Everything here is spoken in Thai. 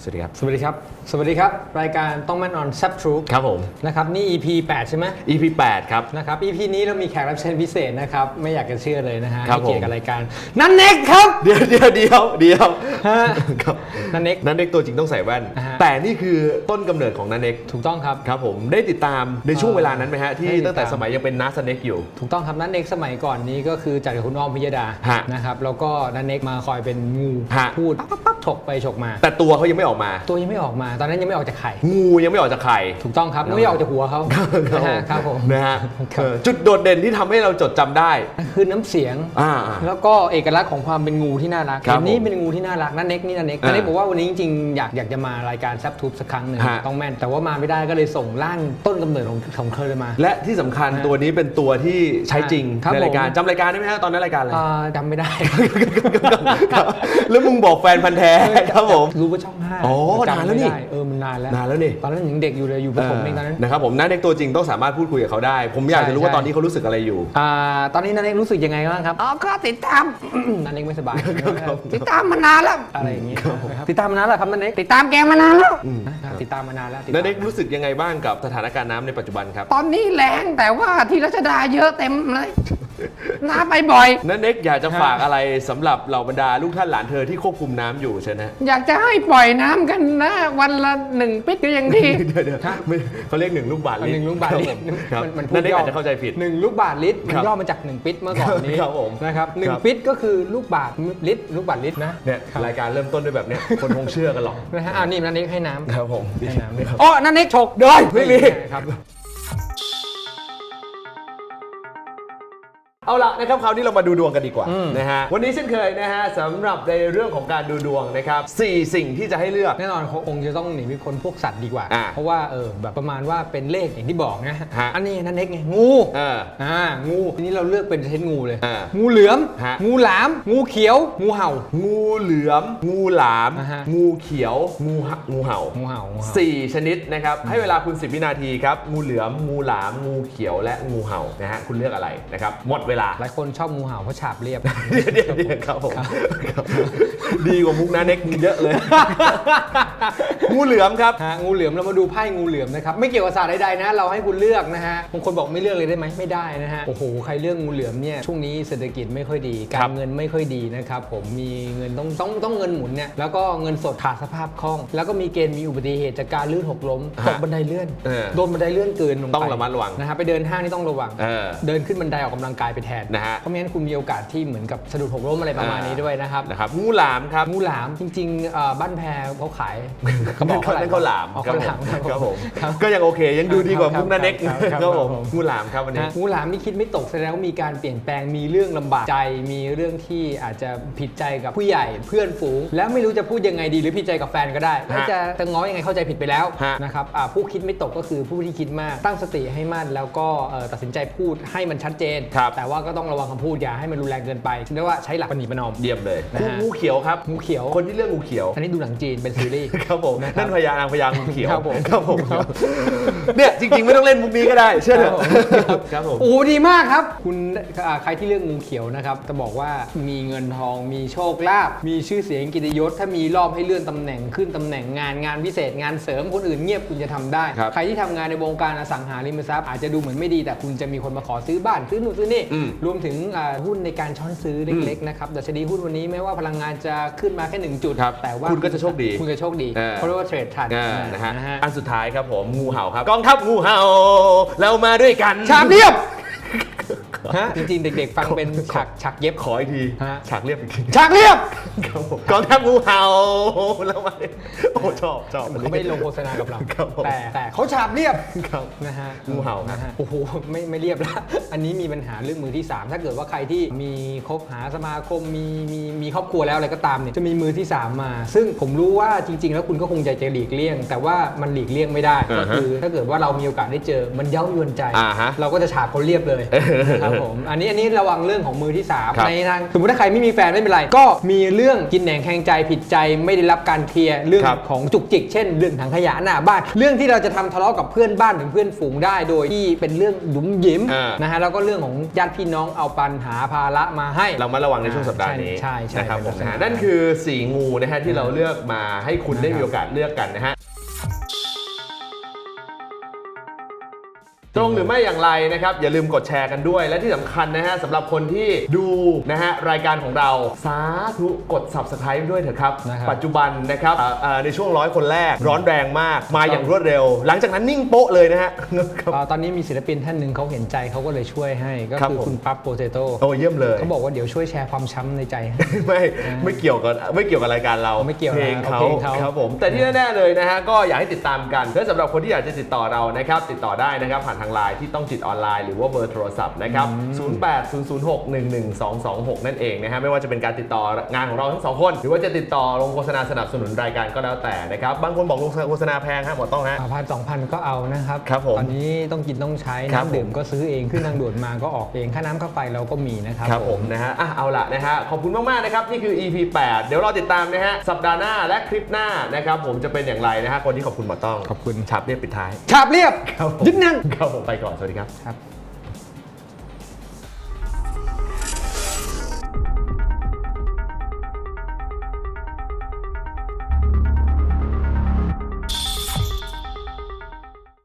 สวัสดีครับสวัสดีครับ สวัสดีครับ รายการต้องแม่นออนแซบทรูปครับผมนะครับนี่ EP 8 ใช่ไหม EP 8 ครับนะครับ EP นี้เรามีแขกรับเชิญพิเศษนะครับ ไม่อยากจะเชื่อเลยนะฮะครับให้เกียรติกับผมรายการนันเน็กครับเดี๋ยวฮะครับนันเน็กนันเน็กตัวจริงต้องใส่แว่นอ่าฮะแต่นี่คือต้นกำเนิดของนันเน็กถูกต้องครับครับผมได้ติดตามในช่วงเวลานั้นไหมฮะที่ได้ติดตามตั้งแต่สมัยยังเป็นนัสเน็กอยู่ถูกต้องครับนันเน็กสมัยก่อนนี้ก็คือจัดกับคุณอ้อมพิยดาฮะนะครับแล้วก็นันเน็กมาคอยเป็นงูฮะพูดปั๊บฉกไปฉกมาแต่ตัวเขายังไม่ออกมาตัวยังไม่ออกมา ตอนนั้นยังไม่ออกจากไข่งูยังไม่ออกจากไข่ถูกต้องครับไม่ออกจากหัวเขานะฮะครับผมนะฮะครับจุดโดดเด่นที่ทำให้เราจดจำได้คือน้ำเสียงอ่าแล้วก็เอกลักษณ์ของความเป็นงูที่น่ารักครับอันนี้เป็นงูที่น่ารักนั่นเน็กนี่นั่นเน็กอ่านั่นเน็กบอกว่าวันนี้จริงๆอยากจะมารายการแซบทูบสักครั้งหนึ่งฮะต้องแม่นแต่ว่ามาไม่ได้ก็เลยส่งร่างต้นกำเนิดของเธอมาและที่สำคัญตัวนี้เป็นตัวที่ใช้จริงครับในรายการผมจำรายการได้ไหมฮะตอนนั้นรายการอะไรจำไม่ได้ครับแล้วมึงบอกแฟนพันธ์แท้ครับผมรู้ว่าช่อง5 อ๋อจำนานแล้วนี่ไม่ได้มันนานแล้วนานแล้วนี่ตอนนั้นยังเด็กอยู่เลยอยู่ประถมเองตอนนั้นนะครับผมนันเน็กตัวจริงต้องสามารถพูดคุยกับเขาได้ ผมอยากจะรู้ว่าใช่ตอนนี้เขารู้สึกอะไรอยู่ตอนนี้นันเน็กรู้สึกยังไงบ้างครับก็ติดตาม นันเน็กไม่สบายครับติดตามมานานแล้วอะไรอย่างงี้นะครับติดตามมานานแล้วครับนันเน็กติดตามแกมานานแล้วติดตามมานานแล้วนันเน็กรู้สึกยังไงบ้างกับสถานการณ์น้ำในปัจจุบันครับตอนนี้แรงแต่ว่าที่รัชดาเยอะเต็มเลยน้าไปบ่อยนันเน็กอยากจะฝากอะไรสำหรับเหล่าบรรดาลูกท่านหลานเธอที่ควบคุมน้ำอยู่ใช่ไหมอยากจะให้ปล่อยน้ำกันนะ วันละ1 ปิดก็ยังดีเดี๋ยวไม่เขาเรียก1 ลูกบาศก์ลิตรหนึ่งลูกบาศก์ลิตรครับมันพูดนันเน็กย่ออาจจะเข้าใจผิด 1 ลูกบาศก์ลิตรมันครับย่อมาจาก1 ปิดเมื่อก่อนนี้ครับผมนะครับครับ 1 ปิดก็คือลูกบาศก์ลิตรลูกบาศก์ลิตรนะเนี่ยรายการเริ่มต้นด้วยแบบเนี้ยคนคงเชื่อกันหรอกนะฮะนี่นันเน็กให้น้ำครับผมให้น้ำด้วยครับอ๋อนันเน็กฉกได้ไม่มีครับเอาละนะครับคราวนี้เรามาดูดวงกันดีกว่าอืมนะฮะวันนี้เช่นเคยนะฮะสำหรับในเรื่องของการดูดวงนะครับ4สิ่งที่จะให้เลือกแน่นอนคงจะต้องหนีไม่พ้นพวกสัตว์ดีกว่าอ่าเพราะว่าแบบประมาณว่าเป็นเลขอย่างที่บอกนะฮะอันนี้นันเน็กไงงู งูทีนี้เราเลือกเป็นชนิดงูเลยอ่างูเหลือมฮะงูหลาม งูเขียว งูเห่างูเหลือม งูหลามอ่าฮะงูเขียว งูเห่างูเห่า 4 ชนิดนะครับให้เวลาคุณ 10 วินาทีครับงูเหลือม งูหลาม งูเขียวและงูเห่านะฮะคุณเลือกอะไรนะครับหมดเวลาหลายคนชอบงูเห่าเพราะฉาบเรียบเดี๋ยวครับผมครับดีกว่ามุกนะเน็กเยอะเลย งูเหลือมครับงูเหลือมเรามาดูไพ่งูเหลือมนะครับไม่เกี่ยวกับศาสตร์ใดๆนะเราให้คุณเลือกนะฮะบางคนบอกไม่เลือกเลยได้ไหมไม่ได้นะฮะโอ้โหใครเลือกงูเหลือมเนี่ยช่วงนี้เศรษฐกิจไม่ค่อยดีการเงินไม่ค่อยดีนะครับผมมีเงินต้องเงินหมุนเนี่ยแล้วก็เงินสดขาดสภาพคล่อง แล้วก็มีเกณฑ์มีอุบัติเหตุจากการลื่นหกล้มตกบันไดเลื่อนโดนบันไดเลื่อนเกินลงไปต้องระมัดระวังนะฮะไปเดินห้างนี่ต้องระวัง เดินขึ้นบันไดออกกำลังกายไปแทนนะฮะเพราะไม่งั้นคุณมีโอกาสที่เหมือนกับสะดุดหกล้มอะไรประมาณนี้ด้วยนะครับงูหลามครับงูหลามจริงๆบ้านแพรเขาขายกระบอกนั่นเขาหลามอ๋อเขาหลามครับผมครับก็ยังโอเคยังดูดีกว่ามุกนะเน็กครับครับผมครับงูหลามครับวันนี้งูหลามนี่คิดไม่ตกแสดงว่ามีการเปลี่ยนแปลงมีเรื่องลำบากใจ มีเรื่องที่อาจจะผิดใจกับผู้ใหญ่เพื่อนฝูง แล้วไม่รู้จะพูดยังไงดีหรือผิดใจกับแฟนก็ได้แล้วจะง้อยังไงเข้าใจผิดไปแล้วฮะนะครับผู้คิดไม่ตกก็คือผู้ที่คิดมากตั้งสติให้มั่นแล้วก็ตัดสินใจพูดให้มันชัดเจนครับแต่ว่าก็ต้องระวังคำพูดอย่าให้มันรุนแรงเกินไปเรียกว่าใช้หลักปณิประนอมเยี่ยมเลยนะฮะงูเขียวครับงูเขียวคนที่เลือกงูเขียวอันนี้ดูหนังจีนเป็นซีรีส์ครับผมนะครับนั่นพญานางพญางูเขียวครับผมครับผมเนี่ยจริงๆไม่ต้องเล่นมุกนี้ก็ได้เชื่อเถอะครับผมโอ้ดีมากครับ คุณใครที่เลือกงูเขียวนะครับจะบอกว่ามีเงินทองมีโชคลาภมีชื่อเสียงเกิตยศถ้ามีรอบให้เลื่อนตำแหน่งขึ้นตำแหน่งงานพิเศษงานเสริมคนอื่นเงียบคุณจะทำได้ครับใครที่ทำงานในวงการอสังหาริมทรัพย์อาจจะดูเหมือนไม่ดีแต่คุณจะมีคนมาขอซื้อบ้านซื้อนู่นซื้อนี่อืมรวมถึงหุ้นในการช้อนซื้อเล็กๆนะครับดัชนีหุ้นวันนี้แม้ว่าพลังงานจะขึ้นมาแค่1 จุดครับแต่ว่าคุณก็จะโชคดีคุณจะโชคดีเออเพราะว่าเทรดทันนะฮะนะฮะอันสุดท้ายครับผมงูเห่าครับกองทัพงูเห่าเรามาด้วยกันฉากเรียบฮะจริงๆ เด็กๆ ฟังเป็นฉากเย็บขออีกทีฮะฉากเรียบอีกทีฉากเรียบครับผมกองทัพงูเห่าเรามาโอ้ชอบอันนี้เขาไม่ได้ลงโฆษณากับเราครับผมแต่เขาฉาบเรียบครับนะฮะงูเห่าครับนะฮะโอ้โหไม่เรียบแล้ว อันนี้มีปัญหาเรื่องมือที่ 3 ถ้าเกิดว่าใครที่มีคบหาสมาคมมีครอบครัวแล้วอะไรก็ตามเนี่ยจะมีมือที่ 3 มา ซึ่งผมรู้ว่าจริง ๆ แล้วคุณก็คงใจจะหลีกเลี่ยง แต่ว่ามันหลีกเลี่ยงไม่ได้ก็คือถ้าเกิดว่าเรามีโอกาสได้เจอมันเย้ายวนใจอ่าฮะเราก็จะฉาบเขาเรียบเลยนะครับผมอันนี้ระวังเรื่องของมือที่สามครับในทางสมมติถ้าใครไม่มีแฟนไม่เป็นไรก็มีเรื่องกินแหนงแข่งใจผิดใจไม่ได้รับการเคลียร์เรื่องครับของจุกจิกเช่นเรื่องถังขยะหน้าบ้านเรื่องที่เราจะทำทะเลาะกับเพื่อนบ้านหรือเพื่อนฝูงได้โดยที่เป็นเรื่องหยุมหยิมนะฮะแล้วก็เรื่องของญาติพี่น้องเอาปัญหาภาระมาให้เรามาระวังในช่วงสัปดาห์นี้ใช่นะครับผมเป็นลักษณะนั่นคือ4งูนะฮะที่เราเลือกมาให้คุณได้มีโอกาสเลือกกันนะฮะตรงหรือไม่อย่างไรนะครับอย่าลืมกดแชร์กันด้วย และที่สำคัญนะฮะสำหรับคนที่ดูนะฮะรายการของเราสาธุกด Subscribe ด้วยเถอะครับ ปัจจุบันนะครับในช่วง100 คนแรกร้อนแรงมากมาอย่างรวดเร็ว หลังจากนั้นนิ่งโป๊ะเลยนะฮะตอนนี้มีศิลปินท่านหนึ่งเขาเห็นใจเขาก็เลยช่วยให้ก็ครับคือผมคุณปั๊บโปเตโต้โอ้เยี่ยมเลยเขาบอกว่าเดี๋ยวช่วยแชร์ความช้ำในใจให้ไม่เกี่ยวกับรายการเราไม่เกี่ยวเพลงนะเขาเพลงเขาครับผมแต่ที่แน่ๆเลยนะฮะก็อยากให้ติดตามกันและสำหรับคนที่อยากจะติดต่อเรานะครับติดต่อได้นะครับผ่านทางไลน์ที่ต้องจิตออนไลน์หรือว่าเบอร์โทรศัพท์นะครับ 0800611226 นั่นเองนะฮะไม่ว่าจะเป็นการติดต่องานของเราทั้งสองคนหรือว่าจะติดต่อลงโฆษณาสนับสนุนรายการก็แล้วแต่นะครับบางคนบอกลงโฆษณาแพงฮะหมดต้องฮะ 1,000-2,000 ก็เอานะครับครับผมตอนนี้ต้องกินต้องใช้ครับน้ำดื่มก็ซื้อเองขึ้นทางด่วนมาก็ออกเองค่าน้ำค่าไฟเราก็มีนะครับครับผมนะฮะเอาละนะฮะขอบคุณมากๆนะครับนี่คือ EP 8 เดี๋ยวรอติดตามนะฮะสัปดาห์หน้าและคลิปหน้านะครับผมจะเป็นอย่างไรนะฮะคนที่ขอบคุณหมอต้องขอบคุณฉับเรียบปิดท้ายฉาบเรียบครับผมยึดนั่งครับผมไปก่อนสวัสดีครับครับ